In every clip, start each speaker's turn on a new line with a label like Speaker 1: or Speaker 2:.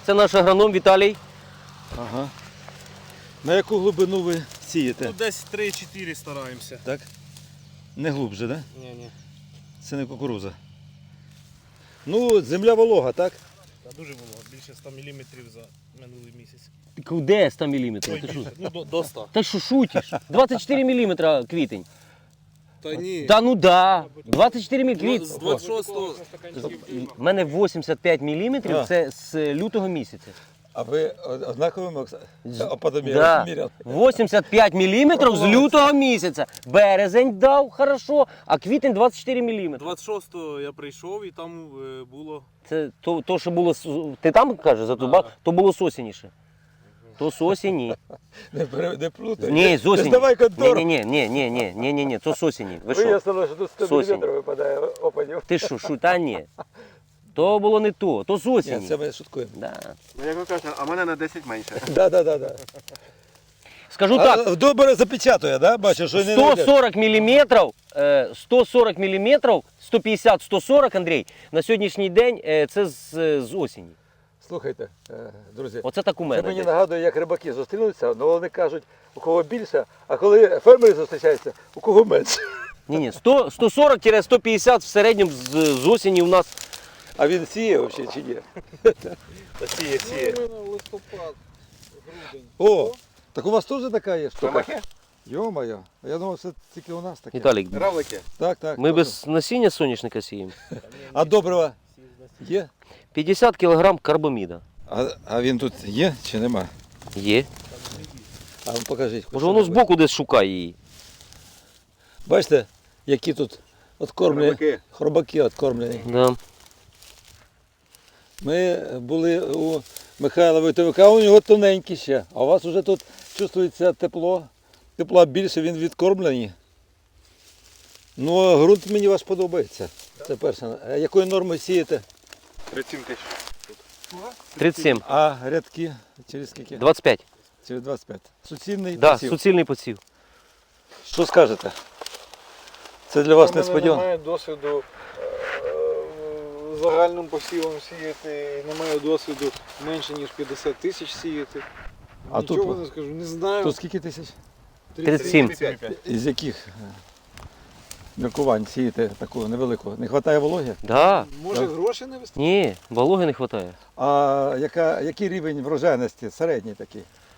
Speaker 1: Це наш агроном Віталій.
Speaker 2: Ага. На яку глибину ви сієте?
Speaker 3: Ну, десь 3-4 стараємося.
Speaker 2: Так? Не глубже, так? Да?
Speaker 3: Ні.
Speaker 2: Це не кукуруза. Ну, земля волога, так?
Speaker 3: Та дуже було, більше 100 мм за минулий місяць.
Speaker 1: Де 100 мм?
Speaker 3: Ой,
Speaker 1: Ти що?
Speaker 3: більше, ну до 100.
Speaker 1: Та що шутиш? 24 мм квітень.
Speaker 3: Та ні.
Speaker 1: Та ну да. 24 мм квітень.
Speaker 3: З 26-го.
Speaker 1: У мене 85 мм, це з лютого місяця.
Speaker 2: А ви однаковими опадами
Speaker 1: Да.
Speaker 2: міряли?
Speaker 1: 85 мм з лютого місяця. Березень дав хорошо, а квітень 24 мм.
Speaker 3: 26-го я прийшов і там було.
Speaker 1: Це то, що було. Ти там кажеш за ту то було з осені ще. То з осені.
Speaker 2: Не плутай.
Speaker 1: Ні, з осені.
Speaker 2: Давай контору.
Speaker 1: Ні, то з осені. Ви що?
Speaker 2: Вияснило, що тут 100
Speaker 1: Сосінь.
Speaker 2: мм випадає опадів.
Speaker 1: Ти що, та ні. То було не то з
Speaker 2: Ні,
Speaker 1: осені.
Speaker 2: це ми шуткуємо.
Speaker 1: Да.
Speaker 4: Ну, як ви кажете, а мене на 10 менше.
Speaker 2: Да.
Speaker 1: Скажу так,
Speaker 2: А добре запечатує, да? Бачиш, що не
Speaker 1: 140 мм, 140 мм, 150-140, Андрій, на сьогоднішній день це з осені.
Speaker 2: Слухайте, друзі,
Speaker 1: Оце так у
Speaker 2: це
Speaker 1: мене.
Speaker 2: мені
Speaker 1: йде.
Speaker 2: нагадує, як рибаки зустрінуться, але вони кажуть, у кого більше, а коли фермери зустрічаються, у кого менше.
Speaker 1: Ні, 140-150 в середньому з осені у нас.
Speaker 2: А він сіє взагалі чи ні?
Speaker 3: Та сіє.
Speaker 4: Листопад, грудень.
Speaker 2: О, так у вас теж така є штука?
Speaker 4: Тамахи?
Speaker 2: Йо-моє, я думав, це тільки у нас таке.
Speaker 1: Віталік,
Speaker 4: Равлики.
Speaker 2: Так.
Speaker 1: ми
Speaker 2: точно.
Speaker 1: без насіння соняшника сіємо.
Speaker 2: А добрива є?
Speaker 1: 50 кг карбаміда.
Speaker 2: А він тут є чи нема?
Speaker 1: Є.
Speaker 2: А ну покажіть.
Speaker 1: Може воно збоку десь шукає її.
Speaker 2: Бачите, які тут откормлені,
Speaker 4: Хробаки.
Speaker 2: хробаки откормлені.
Speaker 1: Да.
Speaker 2: Ми були у Михайла Войтовика, у нього тоненькі ще, а у вас вже тут чувствується тепло. Тепла більше, він відкормлений. Ну, а ґрунт мені ваш подобається. Це перше. А якої норми сієте?
Speaker 4: 37 тисяч.
Speaker 1: 37.
Speaker 2: А рядки через скільки?
Speaker 1: 25.
Speaker 2: Через 25. Суцільний
Speaker 1: Да,
Speaker 2: посів.
Speaker 1: суцільний посів.
Speaker 2: Що скажете? Це для вас
Speaker 4: У мене
Speaker 2: несподівано.
Speaker 4: немає досвіду загальним посівом сіяти, немає досвіду менше ніж 50 тисяч сіяти.
Speaker 2: А
Speaker 4: Нічого
Speaker 2: тут?
Speaker 4: не скажу, не знаю.
Speaker 2: Тут скільки тисяч?
Speaker 1: 37.
Speaker 2: Із яких міркувань сієте таку невелику? Не вистачає вологи?
Speaker 1: Да.
Speaker 4: Може
Speaker 2: Так.
Speaker 4: грошей не вистачає?
Speaker 1: Ні, вологи не вистачає.
Speaker 2: А який рівень врожайності? Середній такий?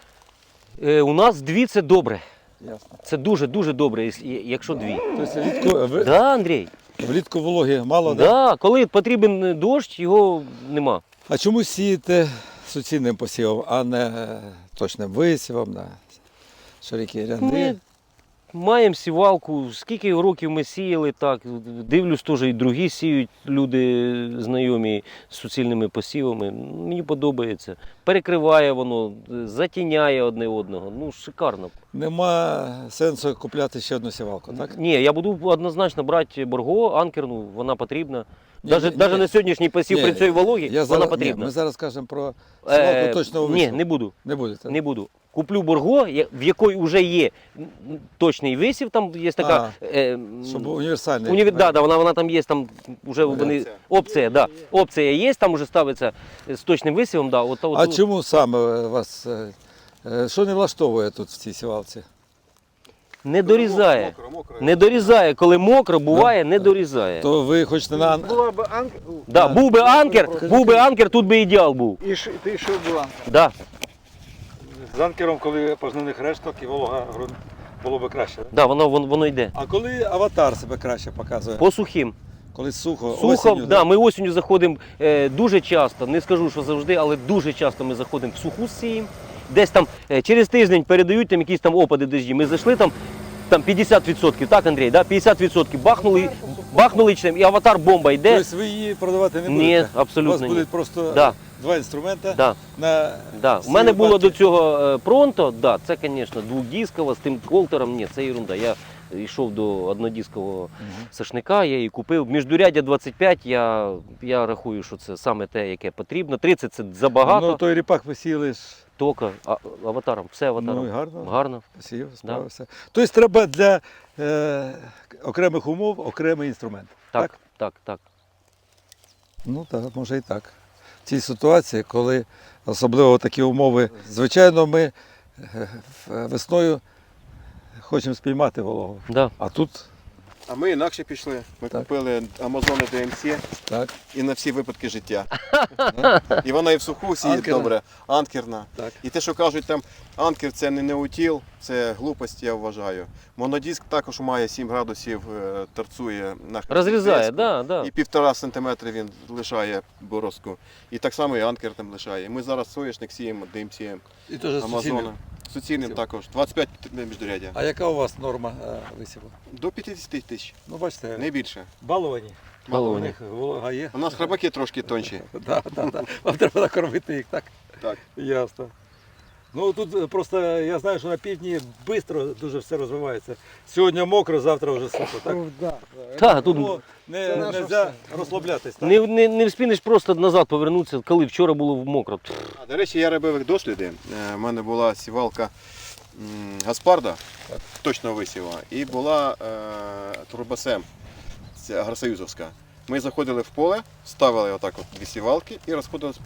Speaker 1: У нас дві це добре.
Speaker 2: Ясно.
Speaker 1: Це дуже добре, якщо дві.
Speaker 2: Тобто
Speaker 1: Да, Андрій?
Speaker 2: влітку вологи мало, да?
Speaker 1: Да, коли потрібен дощ, його нема.
Speaker 2: А чому сієте суцільним посівом, а не точним висівом, на широкі ряди?
Speaker 1: Ми маємо сівалку, скільки років ми сіяли, так, дивлюсь, теж і другі сіють люди знайомі з суцільними посівами. Мені подобається. Перекриває воно, затіняє одне одного. Ну, шикарно.
Speaker 2: Нема сенсу купляти ще одну сівалку, так?
Speaker 1: Ні, я буду однозначно брати борго, анкерну, вона потрібна.
Speaker 2: Ні,
Speaker 1: Навіть
Speaker 2: ні.
Speaker 1: на сьогоднішній посів
Speaker 2: Ні,
Speaker 1: при цій вологі
Speaker 2: Я
Speaker 1: вона
Speaker 2: зараз,
Speaker 1: потрібна.
Speaker 2: ми зараз кажемо про сівалку точного
Speaker 1: Ні,
Speaker 2: висіву.
Speaker 1: не буду.
Speaker 2: Не будете?
Speaker 1: Не буду. Куплю борго, в якої вже є точний висів, там є така.
Speaker 2: Щоб універсальний.
Speaker 1: Вона там є, там вже вони. Опція, да. Опція є, там вже ставиться з точним висівом. Да,
Speaker 2: А чому саме вас, що не влаштовує тут в цій сівалці?
Speaker 1: Не дорізає.
Speaker 4: Мокро.
Speaker 1: Не дорізає, коли мокро, буває, не дорізає.
Speaker 2: То ви хочете на...
Speaker 4: Була б анкер,
Speaker 1: Да, був би анкер, тут би ідеал був.
Speaker 4: і ти йшов був анкер.
Speaker 1: Да,
Speaker 2: З анкером, коли пожнивних решток і волога ґрунт, було б краще.
Speaker 1: да, воно йде.
Speaker 2: А коли аватар себе краще показує?
Speaker 1: По сухим.
Speaker 2: Коли сухо,
Speaker 1: Сухо,
Speaker 2: осінню,
Speaker 1: да, ми осінню заходимо дуже часто, не скажу, що завжди, але дуже часто ми заходимо в суху сіємо. Десь там через тиждень передають там якісь там опади дощі. Ми зайшли там 50%, так, Андрій, да? 50% бахнули і аватар бомба йде.
Speaker 2: Тобто ви її продавати не
Speaker 1: Ні,
Speaker 2: будете?
Speaker 1: абсолютно
Speaker 2: У вас
Speaker 1: ні.
Speaker 2: будуть просто
Speaker 1: Да.
Speaker 2: два інструменти
Speaker 1: Да.
Speaker 2: на
Speaker 1: Да. У
Speaker 2: всі
Speaker 1: мене було
Speaker 2: випадки.
Speaker 1: до цього пронто, да, це, звісно, двохдисково з тим колтером, ні, це ерунда. Я йшов до однодискового сашника, я її купив. Міждуряддя 25, я рахую, що це саме те, яке потрібно. 30 це забагато.
Speaker 2: Ну, той ріпак посіяли ж,
Speaker 1: Тока, аватаром, все аватаром.
Speaker 2: ну і гарно.
Speaker 1: Гарно.
Speaker 2: Посів, справився. Тобто треба для окремих умов окремий інструмент.
Speaker 1: Так.
Speaker 2: Ну так, може і так. цій ситуації, коли особливо такі умови. Звичайно, ми весною хочемо спіймати вологу.
Speaker 1: Да.
Speaker 2: А тут
Speaker 5: А ми інакше пішли. Ми
Speaker 2: Так.
Speaker 5: купили Амазони DMC
Speaker 2: так.
Speaker 5: і на всі випадки життя. І вона і в суху сіє
Speaker 2: Анкерна.
Speaker 5: добре, анкерна.
Speaker 2: Так.
Speaker 5: І те, що кажуть, там анкер це не неутіл, це глупость, я вважаю. Монодиск також має 7 градусів, торцує на
Speaker 1: Розрізає,
Speaker 5: диску.
Speaker 1: да, да.
Speaker 5: І 1,5 см він лишає борозку. І так само і анкер там лишає. Ми зараз соняшник сіємо DMC,
Speaker 2: І теж
Speaker 5: Амазона. Суцільним також. 25 міждурядя.
Speaker 2: А яка у вас норма висіву?
Speaker 5: До 50 тисяч,
Speaker 2: Ну, бачите,
Speaker 5: не більше.
Speaker 2: баловані.
Speaker 1: Баловані.
Speaker 2: У них волога є.
Speaker 5: У нас храбаки трошки тонші.
Speaker 2: Да. Вам треба накормити їх, так?
Speaker 5: Так.
Speaker 2: Ясно. Ну тут просто я знаю, що на півдні швидко дуже все розвивається. Сьогодні мокро, завтра вже сухо, так?
Speaker 4: Ну, да.
Speaker 1: Та, тут
Speaker 2: Тому не
Speaker 4: наше
Speaker 2: можна розслаблятись. Так?
Speaker 1: не вспінеш просто назад повернутися, коли вчора було мокро.
Speaker 5: А, до речі, я робив досліди. У мене була сівалка Гаспарда, точного висіва, і була Турбосем, це агросоюзовська. Ми заходили в поле, ставили отак от дві сівалки і розходилися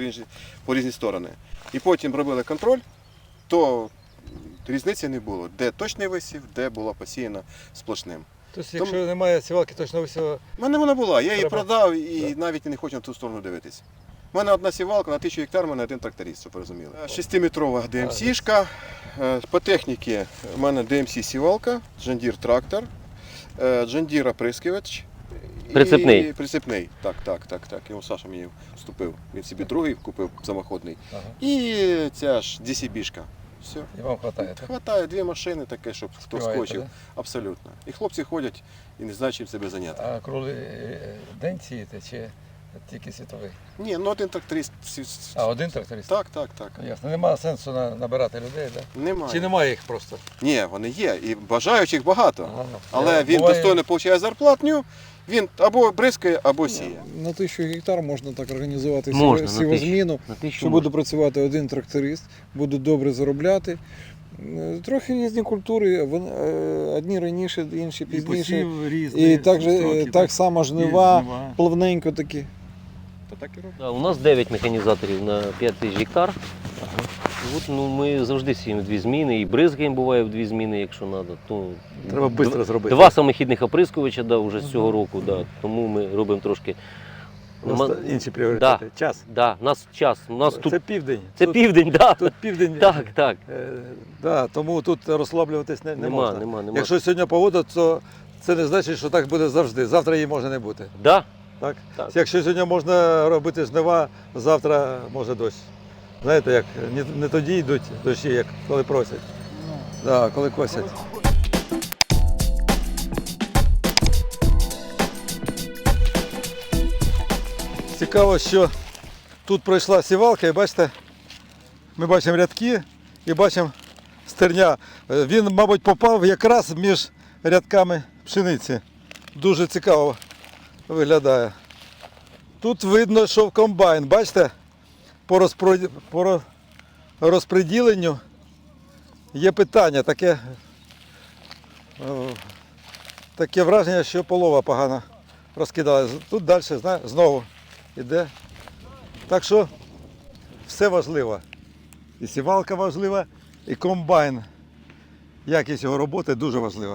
Speaker 5: по різні сторони. І потім робили контроль, то різниці не було, де точний висів, де була посіяна сплошним.
Speaker 2: Тобто, якщо немає сівалки точно висіву,
Speaker 5: У мене вона була, я її
Speaker 2: Треба.
Speaker 5: продав і навіть не хочу на ту сторону дивитись. У мене одна сівалка на 1000 гектар, у мене один тракторист, щоб ви розуміли. 6-метрова DMC-шка. По техніці у мене DMC сівалка, John Deere трактор, John Deere оприскувач.
Speaker 1: Прицепний.
Speaker 5: І прицепний. Так. Його Саша мені вступив. Він собі другий купив самоходний.
Speaker 2: ага.
Speaker 5: І ця ж DCB-шка. Все.
Speaker 2: І вам вистачає, так?
Speaker 5: Хватає дві машини таке, щоб хто
Speaker 2: Співаєте,
Speaker 5: скочив.
Speaker 2: да?
Speaker 5: Абсолютно. І хлопці ходять і не знають, чим себе зайняти.
Speaker 2: А круглий день сієте чи тільки світовий?
Speaker 5: Ні, ну один тракторист.
Speaker 2: А, один тракторист?
Speaker 5: Так.
Speaker 2: Ясно. Немає сенсу набирати людей, так?
Speaker 5: Немає.
Speaker 2: Чи немає їх просто?
Speaker 5: Ні, вони є. І бажаючих багато.
Speaker 2: Ага.
Speaker 5: Але він
Speaker 2: Буває-
Speaker 5: достойно отримує зарплатню, він або бризкає, або сіє.
Speaker 4: На 1000 гектар можна так організувати
Speaker 1: Можна, на
Speaker 4: сівозміну,
Speaker 1: На те,
Speaker 4: що буде працювати один тракторист, буде добре заробляти. Трохи різні культури, одні раніше, інші пізніше. І так само жнива, плавненько такі.
Speaker 5: То так і робить.
Speaker 1: Да, у нас 9 механізаторів на 5000 гектар. От, ну, ми завжди сіємо в 2 зміни, і бризгаємо буває в 2 зміни, якщо треба. То,
Speaker 2: Треба швидко зробити.
Speaker 1: 2 самохідних оприскувача да, вже з цього року, да, тому ми робимо трошки.
Speaker 2: Просто інші пріоритети. Час.
Speaker 1: Да, нас час. У нас
Speaker 2: Це
Speaker 1: тут
Speaker 2: південь.
Speaker 1: це
Speaker 2: Тут-
Speaker 1: південь, да.
Speaker 2: Тут південь.
Speaker 1: Так.
Speaker 2: Да, тому тут розслаблюватись не можна.
Speaker 1: Нема.
Speaker 2: Якщо сьогодні погода, то це не значить, що так буде завжди. Завтра її може не бути.
Speaker 1: Да.
Speaker 2: Так?
Speaker 1: Так.
Speaker 2: Якщо сьогодні можна робити жнива, завтра може дощ. Знаєте, як не тоді йдуть дощі, як коли просять. Да, коли косять. Цікаво, що тут пройшла сівалка, і бачите, ми бачимо рядки і бачимо стерня. Він, мабуть, попав якраз між рядками пшениці. Дуже цікаво виглядає. Тут видно, що в комбайн, бачите, по розподіленню є питання. Таке враження, що полова погано розкидала. Тут далі знову йде. Так що все важливо. І сівалка важлива, і комбайн. Якість його роботи дуже важлива.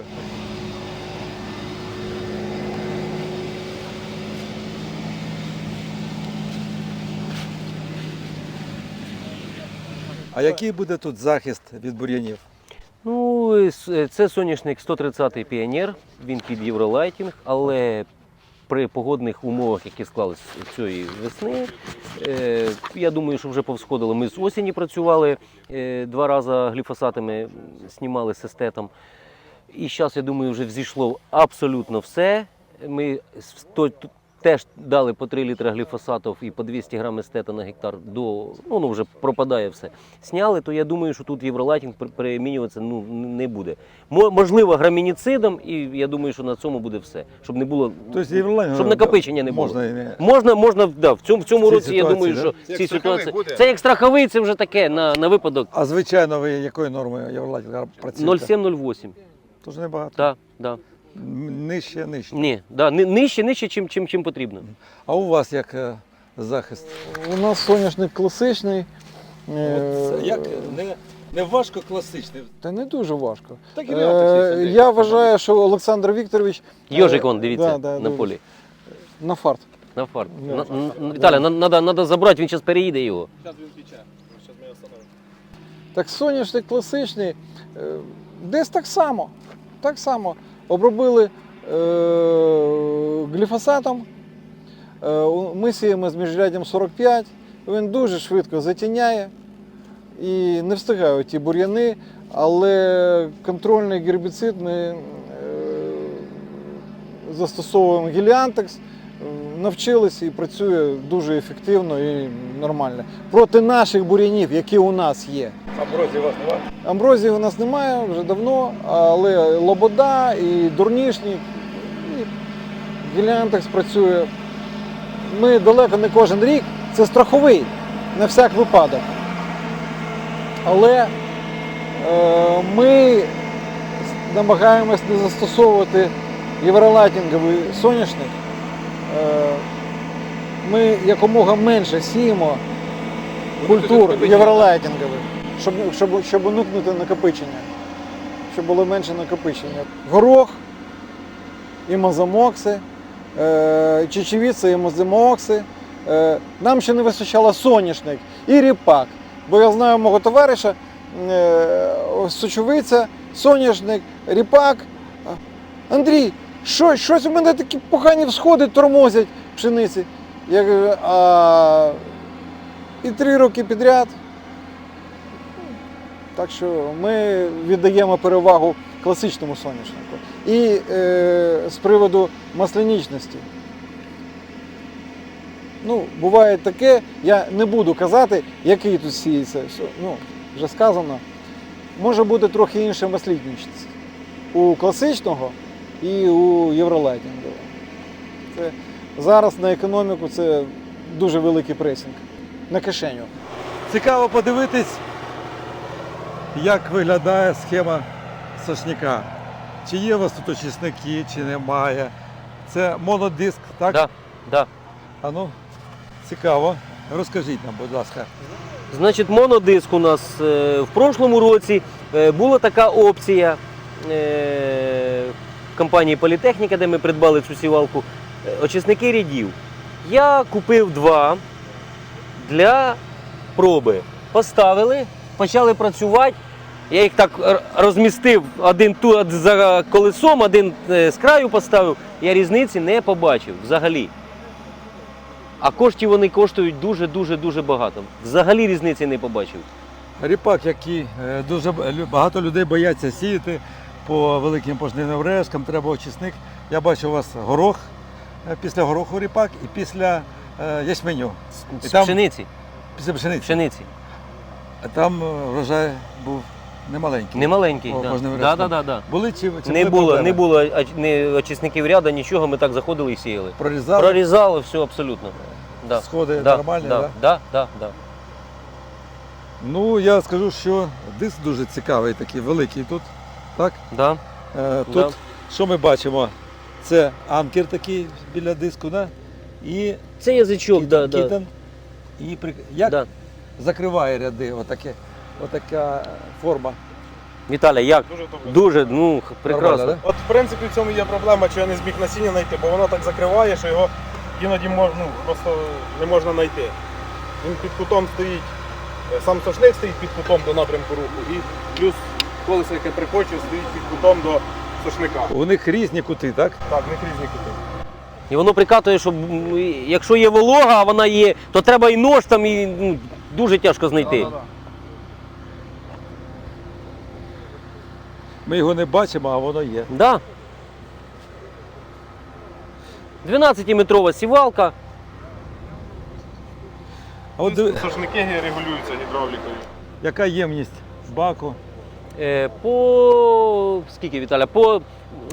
Speaker 2: А який буде тут захист від бур'янів?
Speaker 1: Ну, це соняшник 130-й піонер, він під євролайтінг, але при погодних умовах, які склались цієї весни, я думаю, що вже повсходило. Ми з осені працювали 2 рази гліфосатами, знімали з естетом. І зараз, я думаю, вже взійшло абсолютно все. Ми теж дали по 3 літри гліфосатів і по 200 грам естета на гектар, ну вже пропадає все. Сняли, то я думаю, що тут євролайтінг перемінюватися не буде. Можливо, грамініцидом, і я думаю, що на цьому буде все. Щоб не було, щоб накопичення не було. Можна, да, в цьому році, я думаю, що
Speaker 5: Це
Speaker 1: ці
Speaker 5: як страховий
Speaker 1: ситуації.
Speaker 5: буде?
Speaker 1: Це як страховий, це вже таке на випадок
Speaker 2: А звичайно, ви якою нормою євролайтінга працюєте?
Speaker 1: 0,7-0,8.
Speaker 2: Тож небагато.
Speaker 1: Так, да.
Speaker 2: Нижче.
Speaker 1: Ні, да, нижче, чим потрібно.
Speaker 2: А у вас як захист.
Speaker 4: У нас соняшник класичний.
Speaker 2: От, як не важко класичний.
Speaker 4: Та не дуже важко.
Speaker 2: Так і реально,
Speaker 4: Я вважаю, що Олександр Вікторович...
Speaker 1: Йожик, вон, дивіться,
Speaker 4: да,
Speaker 1: на полі.
Speaker 4: На фарт.
Speaker 1: На фарт.
Speaker 4: Да.
Speaker 1: Віталя, треба забрати, він зараз переїде його.
Speaker 3: Зараз він втіче. Зараз ми його встановимо.
Speaker 4: Так соняшник класичний, десь так само. Так само. Обробили гліфосатом, ми сіємо з міжряддям 45, він дуже швидко затіняє і не встигають ті бур'яни, але контрольний гербіцид ми застосовуємо геліантекс, навчилися і працює дуже ефективно і нормально. Проти наших бур'янів, які у нас є.
Speaker 2: Амброзії у вас немає?
Speaker 4: Амброзії у нас немає вже давно, але лобода і дурнішник, і геліантекс працює. Ми далеко не кожен рік, це страховий, на всяк випадок. Але ми намагаємось не застосовувати євролайтінговий соняшник. Ми якомога менше сіємо культур євролайтінгових, щоб уникнути накопичення, щоб було менше накопичення. Горох, імозамокси, чечевиця, імозамокси. Нам ще не вистачало соняшник і ріпак. Бо я знаю мого товариша, сочевиця, соняшник, ріпак. Андрій, щось у мене такі погані всходи тормозять пшениці. Я кажу, і 3 роки підряд. Так що ми віддаємо перевагу класичному соняшнику. І з приводу маслянічності. Ну, буває таке, я не буду казати, який тут сіється. Ну, вже сказано. Може бути трохи інша маслянічність у класичного і у євролайтінгового. Це зараз на економіку це дуже великий пресинг на кишеню.
Speaker 2: Цікаво подивитись, як виглядає схема сошняка. Чи є у вас тут очисники, чи немає. Це монодиск, так?
Speaker 1: Да, да.
Speaker 2: А ну, цікаво. Розкажіть нам, будь ласка.
Speaker 1: Значить, монодиск у нас в прошлому році була така опція компанії Політехніка, де ми придбали цю сівалку, очисники рядів. Я купив 2 для проби. Поставили, почали працювати. Я їх так розмістив, один тут за колесом, один з краю поставив. Я різниці не побачив взагалі. А коштів вони коштують дуже багато. Взагалі різниці не побачив.
Speaker 2: Ріпак, який дуже багато людей бояться сіяти по великим пожнивним решткам, треба очисник. Я бачу у вас горох, після гороху ріпак і після ячменю. І
Speaker 1: З
Speaker 2: там,
Speaker 1: пшениці.
Speaker 2: після пшениці.
Speaker 1: Пшениці.
Speaker 2: А там врожай був немаленький.
Speaker 1: Немаленький.
Speaker 2: По пожнивим
Speaker 1: Да,
Speaker 2: решткам.
Speaker 1: да.
Speaker 2: Були чи
Speaker 1: Не
Speaker 2: були
Speaker 1: було,
Speaker 2: проблеми?
Speaker 1: не було ні очисників ряду, нічого, ми так заходили і сіяли.
Speaker 2: Прорізали?
Speaker 1: Прорізали все абсолютно. Да.
Speaker 2: Сходи
Speaker 1: Да,
Speaker 2: нормальні,
Speaker 1: да,
Speaker 2: да?
Speaker 1: да.
Speaker 2: Ну, я скажу, що диск дуже цікавий, такий великий тут. Так?
Speaker 1: Да.
Speaker 2: Тут,
Speaker 1: Да.
Speaker 2: що ми бачимо? Це анкер такий біля диску, да? І
Speaker 1: Це язичок, да.
Speaker 2: кітен. І як
Speaker 1: Да.
Speaker 2: закриває ряди, отака форма.
Speaker 1: Віталя, як?
Speaker 3: Дуже добре.
Speaker 1: Дуже, прекрасно.
Speaker 2: Нормально,
Speaker 3: От в принципі в цьому є проблема, що я не зміг насіння знайти, бо воно так закриває, що його іноді просто не можна знайти. Він під кутом стоїть, сам сошник стоїть під кутом до напрямку руху, і плюс колесо, яке прикочує, стоїть під кутом до сошника.
Speaker 2: У них різні кути, так?
Speaker 3: Так, в них різні кути.
Speaker 1: І воно прикатує, щоб якщо є волога, а вона є, то треба і нож там, і дуже тяжко знайти.
Speaker 3: Да-да-да.
Speaker 2: Ми його не бачимо, а воно є.
Speaker 1: Да. 12-метрова сівалка.
Speaker 2: А от
Speaker 3: Сошники регулюються гідравлікою.
Speaker 2: яка ємність баку?
Speaker 1: По скільки, Віталя? По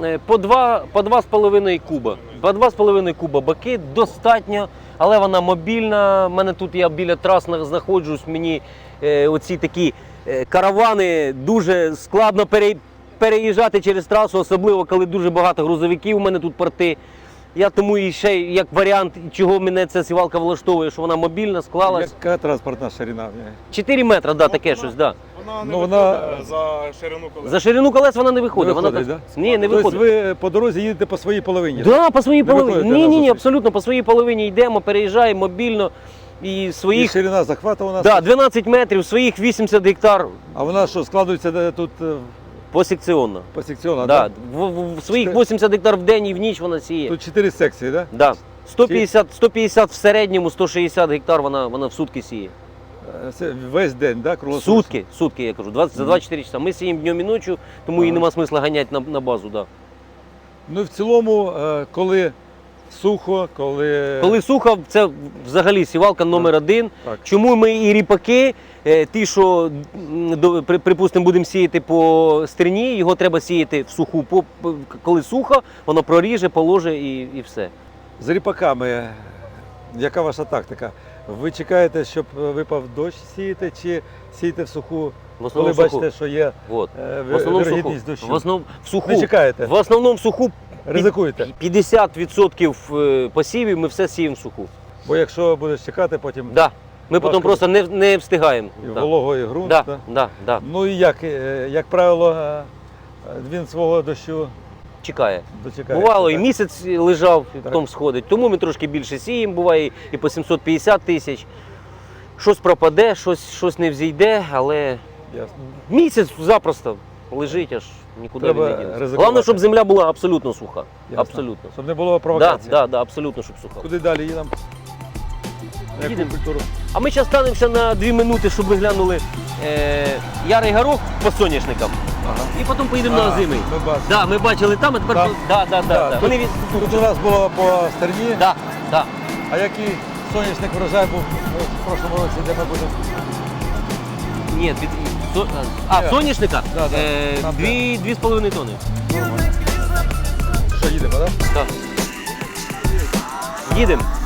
Speaker 1: 2,5 куба. По 2,5 куба баки достатньо, але вона мобільна. У мене тут я біля трас знаходжусь, мені оці такі каравани дуже складно переїжджати через трасу, особливо коли дуже багато грузовиків у мене тут порти. Я тому і ще як варіант, чого мене ця сівалка влаштовує, що вона мобільна, склалась.
Speaker 2: Яка транспортна ширина?
Speaker 1: 4 метри, да, таке щось, да.
Speaker 3: Вона не
Speaker 2: Ну, вона-
Speaker 3: виходить за ширину колес.
Speaker 1: За ширину колес вона не виходить.
Speaker 2: Не виходить,
Speaker 1: вона
Speaker 2: да?
Speaker 1: Ні, не
Speaker 2: Тобто
Speaker 1: виходить.
Speaker 2: ви по дорозі їдете по своїй половині?
Speaker 1: Да, по своїй
Speaker 2: Не
Speaker 1: половині.
Speaker 2: виходите
Speaker 1: Ні,
Speaker 2: на
Speaker 1: ні, ні,
Speaker 2: зустріч?
Speaker 1: абсолютно. По своїй половині йдемо, переїжджаємо мобільно і
Speaker 2: І
Speaker 1: своїх
Speaker 2: ширина захвату у нас?
Speaker 1: да, 12 метрів, своїх 80 гектар
Speaker 2: А вона що, складується тут
Speaker 1: посекціонно.
Speaker 2: посекціонно?
Speaker 1: Да.
Speaker 2: Да?
Speaker 1: В своїх 80 гектар в день і в ніч вона сіє.
Speaker 2: Тут 4 секції, так?
Speaker 1: Да. 150 в середньому, 160 гектар вона в сутки сіє.
Speaker 2: Це весь день, так? Да?
Speaker 1: Сутки, я кажу, за 24 часа. Ми сіємо днем і ночі, тому і
Speaker 2: Ага.
Speaker 1: нема смисла ганяти на базу. Да.
Speaker 2: Ну і в цілому, коли сухо,
Speaker 1: Коли сухо, це взагалі сівалка номер один.
Speaker 2: Так.
Speaker 1: Чому ми і ріпаки, ті, що, припустимо, будемо сіяти по стерні, його треба сіяти в суху. Коли сухо, воно проріже, положе і все.
Speaker 2: З ріпаками, яка ваша тактика? Ви чекаєте, щоб випав дощ сієте, чи сієте в суху,
Speaker 1: В
Speaker 2: коли
Speaker 1: основному в суху.
Speaker 2: бачите, що є
Speaker 1: Вот. В основному в суху.
Speaker 2: вірогідність дощу?
Speaker 1: В суху.
Speaker 2: Не чекаєте?
Speaker 1: В основному в суху
Speaker 2: Ризикуєте?
Speaker 1: 50% посівів ми все сіємо в суху.
Speaker 2: Бо якщо будеш чекати, потім
Speaker 1: Да. Ми
Speaker 2: Важко.
Speaker 1: потім просто не встигаємо.
Speaker 2: і
Speaker 1: Да.
Speaker 2: волого, і ґрунт.
Speaker 1: Да,
Speaker 2: да?
Speaker 1: да, да.
Speaker 2: Ну і як правило, він свого дощу
Speaker 1: Чекає.
Speaker 2: дочекає.
Speaker 1: Бувало, і
Speaker 2: так?
Speaker 1: місяць лежав, і
Speaker 2: Так.
Speaker 1: потім сходить. Тому ми трошки більше сіємо, буває і по 750 тисяч. Щось пропаде, щось не взійде, але
Speaker 2: Ясно.
Speaker 1: місяць запросто лежить, аж нікуди
Speaker 2: Треба
Speaker 1: він не дінеться.
Speaker 2: ризикувати.
Speaker 1: Головне, щоб земля була абсолютно суха.
Speaker 2: Ясно.
Speaker 1: Абсолютно.
Speaker 2: Щоб не було
Speaker 1: Да,
Speaker 2: провокації.
Speaker 1: да, абсолютно, щоб суха.
Speaker 2: Куди далі їдемо? На яку
Speaker 1: Їдемо.
Speaker 2: культуру?
Speaker 1: А ми зараз станемося на 2 минути, щоб ви глянули ярий горох по соняшникам.
Speaker 2: Ага.
Speaker 1: І потім поїдемо на озимий.
Speaker 2: Ми бачимо.
Speaker 1: Да, ми бачили там, а тепер
Speaker 2: Так.
Speaker 1: да.
Speaker 2: Да,
Speaker 1: Вони
Speaker 2: Тут у нас було по стерні.
Speaker 1: да.
Speaker 2: А який сонячник врожай був в прошлому році, де ми будемо?
Speaker 1: Ні,
Speaker 2: Ні.
Speaker 1: соняшника
Speaker 2: Да, да. Там
Speaker 1: 2,5 тонни.
Speaker 2: Що, їдемо, так?
Speaker 1: Так. Їдемо.